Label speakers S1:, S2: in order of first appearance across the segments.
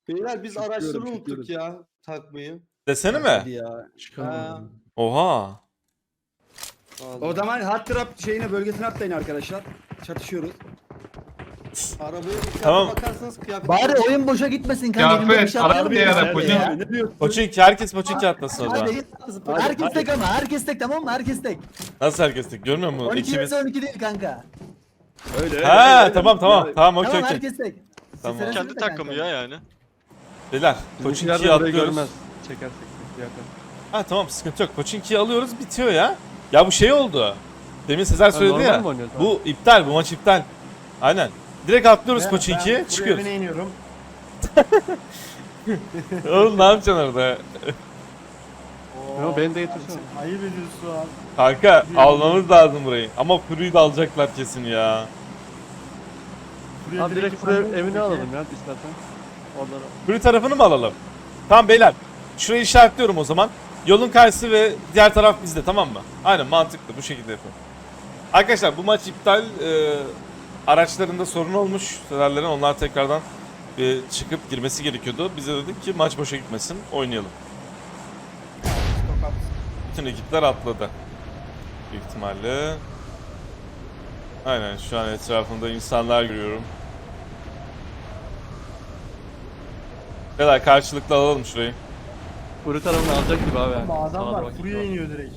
S1: Beyler biz
S2: Çıkıyorum,
S1: araçları
S2: çıkıyorum.
S1: unuttuk ya takmayı.
S3: Desene
S1: Hadi
S3: mi?
S1: ya.
S2: Çıkamadım.
S3: Oha.
S2: O zaman hard trap şeyine bölgesine atlayın arkadaşlar. Çatışıyoruz.
S1: Arabaya bir
S3: Tamam.
S1: bakarsanız kıyafet.
S4: Bari oyun boşa gitmesin kanka. Elimde bir
S5: Kıyafet,
S4: şey
S5: araba
S4: atlayalım
S5: bir
S4: ya.
S5: ara koca.
S2: Ne diyorsun?
S3: Poçinki, herkes Poçinki atlasın o zaman.
S4: Hadi, herkes tek ama herkes tek, tamam mı? Herkes tek.
S3: Nasıl herkes tek? Görmüyor musun?
S4: 12
S3: İkimiz.
S4: vs 12 değil kanka.
S2: Öyle.
S3: Ha tamam tamam. Tamam
S4: Tamam
S3: okey okey.
S4: herkes tek. Siz
S3: Tamam.
S4: senesiniz
S6: Kendi
S4: de kanka.
S6: takımı ya yani.
S3: Beyler
S5: Poçinkiler
S3: Poçinki'yi
S5: de burayı
S3: atlıyoruz.
S5: görmez. Çekersek yakın.
S3: Ha tamam sıkıntı yok. Poçinki'yi alıyoruz bitiyor ya. Ya bu şey oldu. Demin Sezer söyledi
S5: normal
S3: ya.
S5: mi oynuyoruz abi?
S3: Bu iptal, bu maç iptal. Aynen. Direkt atlıyoruz Poçinki'ye çıkıyoruz.
S1: Buraya iniyorum.
S3: Oğlum ne yapacaksın orada?
S5: Yo, beni de getirsene.
S1: Ayıp ediyorsun.
S3: Kanka almamız lazım burayı. Ama Fury'yi de alacaklar kesin ya.
S5: Abi direkt buraya evini alalım ya istersen. Oralara.
S3: Fury tarafını mı alalım? Tamam beyler. Şurayı işaretliyorum o zaman. Yolun karşısı ve diğer taraf bizde, tamam mı? Aynen, mantıklı, bu şekilde yapalım. Arkadaşlar bu maç iptal. Araçlarında sorun olmuş. Severlerin, onlar tekrardan çıkıp girmesi gerekiyordu. Bize dedik ki maç boşa gitmesin, oynayalım. Bütün ekipler atladı. Büyük ihtimalle. Aynen, şu an etrafımda insanlar görüyorum. Beyler karşılıklı alalım şurayı.
S5: Buraya tarafını alacak gibi abi. Yani.
S1: Adam
S5: Sağa
S1: var.
S5: bak.
S1: Buraya iniyor direkt.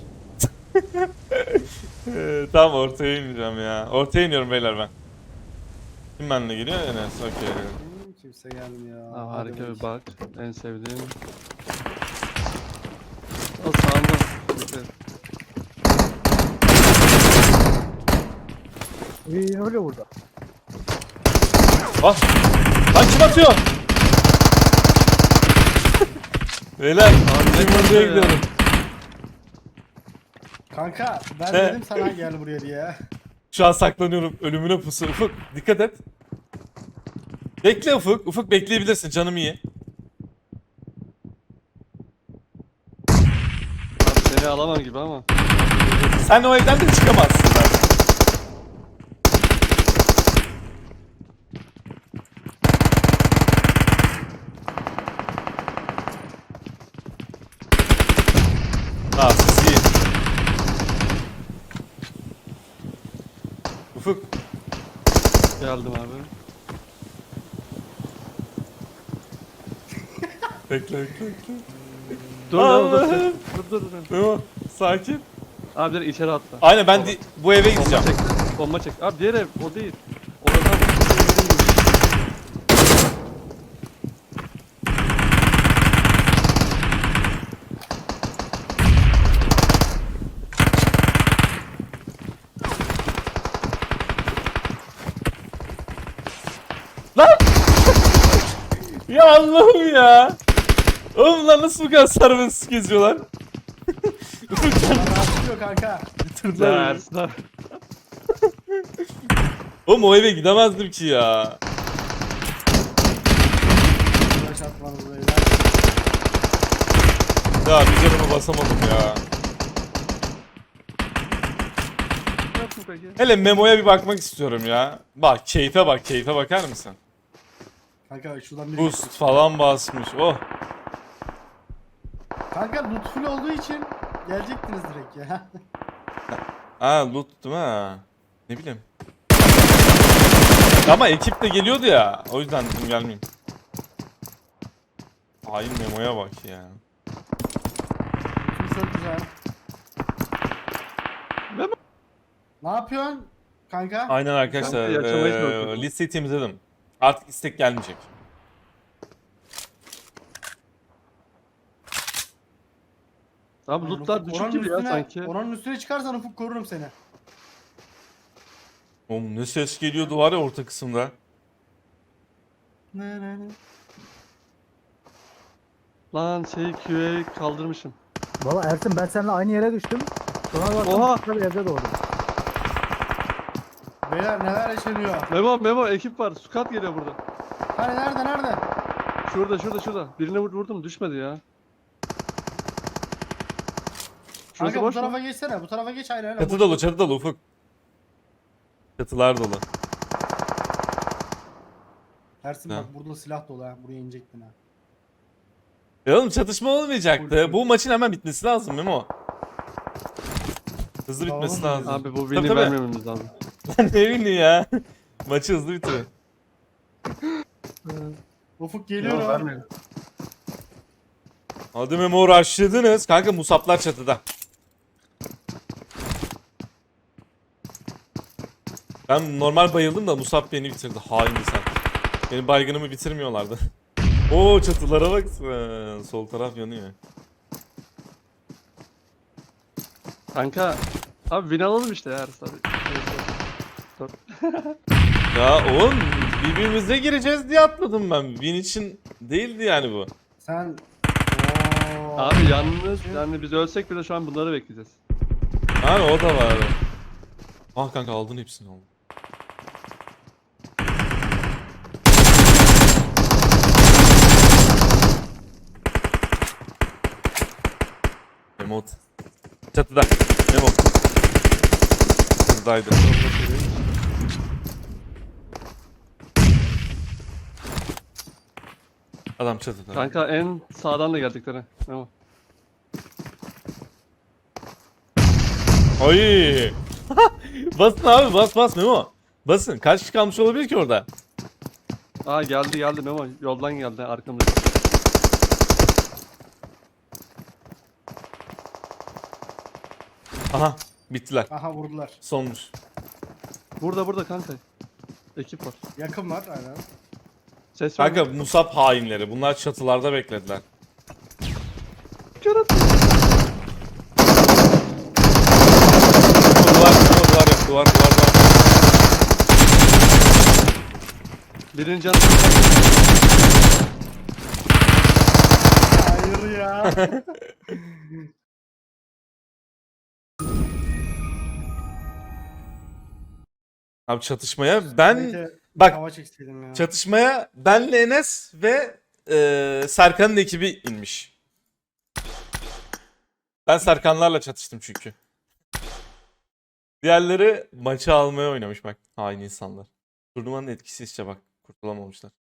S3: Tamam, ortaya ineceğim ya. Ortaya iniyorum beyler ben. Kim benimle geliyor? Enes, okey.
S1: Kimse gelmiyor.
S5: Ha,
S1: Hadi
S5: harika bir
S1: bakayım.
S5: bak. En sevdiğim. O sağında. Dikkat.
S4: İyi öyle burada.
S3: Ah! Lan kim atıyor? Beyler, bizim buraya gidiyorum.
S1: Kanka ben
S3: Ne?
S1: dedim sana gel buraya diye.
S3: Şu an saklanıyorum. Ölümüne pusu. Ufuk, dikkat et. Bekle Ufuk. Ufuk bekleyebilirsin. Canım iyi.
S5: Abi seni alamam gibi ama.
S3: Sen o evden de çıkamazsın. Siz iyi. Ufuk.
S5: Geldim abi.
S3: Bekle.
S5: Dur
S3: Allah.
S5: dur dur. Dur.
S3: Tamam. Sakin.
S5: Abi direkt içeri atla.
S3: Aynen, ben bu eve
S5: Bomba
S3: gideceğim.
S5: çek. Bomba çek. Abi diğer ev o değil. Oradan
S3: Lan! Ya Allah'ım ya. Oğlum lan nasıl bu kadar serbest geziyorlar?
S1: Rahatlıyor kanka.
S3: Bitirdiler beni.
S5: Ersin abi.
S3: Oğlum o eve gidemezdim ki ya.
S1: Flash atmanız beyler.
S3: Ya bir canıma basamadım ya.
S5: Ne yaptın peki?
S3: Hele Memo'ya bir bakmak istiyorum ya. Bak keyfe bak, keyfe bakar mısın?
S1: Kanka şuradan bir
S3: Boost falan basmış. Oh.
S1: Kanka loot full olduğu için gelecektiniz direkt ya.
S3: Ha loot değil mi? Ha. Ne bileyim. Ama ekip de geliyordu ya. O yüzden dedim gelmeyeyim. Ay Memo'ya bak ya.
S1: Şimdi çok güzel.
S5: Memo.
S1: Ne yapıyorsun kanka?
S3: Aynen arkadaşlar.
S5: Kanka, yaşamayı çalışıyorum.
S3: Listeyi temizledim. Artık istek gelmeyecek.
S5: Abi lootlar düşük gibi ya sanki.
S1: Oranın üstüne çıkarsan Ufuk korurum seni.
S3: Oğlum ne ses geliyordu var ya orta kısımda.
S1: Ne.
S5: Lan QA'yı kaldırmışım.
S4: Valla Ersin ben seninle aynı yere düştüm. Sonra baktım
S5: Oha!
S4: başka bir evde doğdum.
S1: Beyler neler yaşanıyor?
S5: Memo ekip var. Squad geliyor burada.
S1: Hani nerede?
S5: Şurada. Birine vurdum düşmedi ya. Şurası
S1: Kanka bu
S5: boş mu?
S1: tarafa geçsene. Bu tarafa geç aynen.
S3: Çatı dolu, çatı dolu Ufuk. Çatılar dolu.
S1: Ersin
S3: Ha.
S1: bak burada silah dolu ha. Buraya inecektin ha.
S3: Ya oğlum çatışma olmayacaktı.
S1: Full.
S3: Bu maçın hemen bitmesi lazım Memo. Hızlı
S1: Tamam
S3: bitmesi
S1: mı?
S3: lazım.
S5: Abi bu
S3: Tabii,
S5: win'i
S3: tabii.
S5: vermememiz lazım.
S3: Ne bileyim ya. Maçı hızlı bitirin.
S1: Ufuk geliyor
S5: Yok
S1: ha.
S5: vermeyelim.
S3: Hadi Memo rushladınız. Kanka Musablar çatıda. Ben normal bayıldım da Musab beni bitirdi. Hain insan. Benim baygınımı bitirmiyorlardı. Oo çatılara bak sen. Sol taraf yanıyor.
S5: Kanka. Abi win alalım işte ya Ersin abi.
S3: Ya oğlum birbirimize gireceğiz diye atladım ben. Win için değildi yani bu.
S1: Sen... Oo.
S5: Abi yalnız yani biz ölsek bile şu an bunları bekleyeceğiz.
S3: Yani o da var. Ah kanka aldın hepsini aldın. Emot. Çatıda. Emot. Çatıdaydı. Adam çatıda.
S5: Kanka en sağdan da geldikleri. Tamam.
S3: Oy. Basın abi bas Memo. Basın. Kaç kişi kalmış olabilir ki orada?
S5: Aa geldi Memo. Yoldan geldi arkamda.
S3: Aha bittiler.
S1: Aha vurdular.
S3: Sonmuş.
S5: Burada kanka. Ekip var.
S1: Yakın var aynen.
S5: Ses var.
S3: Kanka Musab hainleri. Bunlar çatılarda beklediler.
S5: Kör attı.
S3: Duvar.
S5: Birinci canı.
S1: Hayır ya.
S3: Abi çatışmaya ben
S1: Neyse,
S3: bak
S1: hava çekseydim ya.
S3: çatışmaya benle Enes ve Serkan'ın ekibi inmiş. Ben Serkanlarla çatıştım çünkü. Diğerleri maçı almaya oynamış bak. Hain insanlar. Turnuvanın etkisi işte bak. Kurtulamamışlar.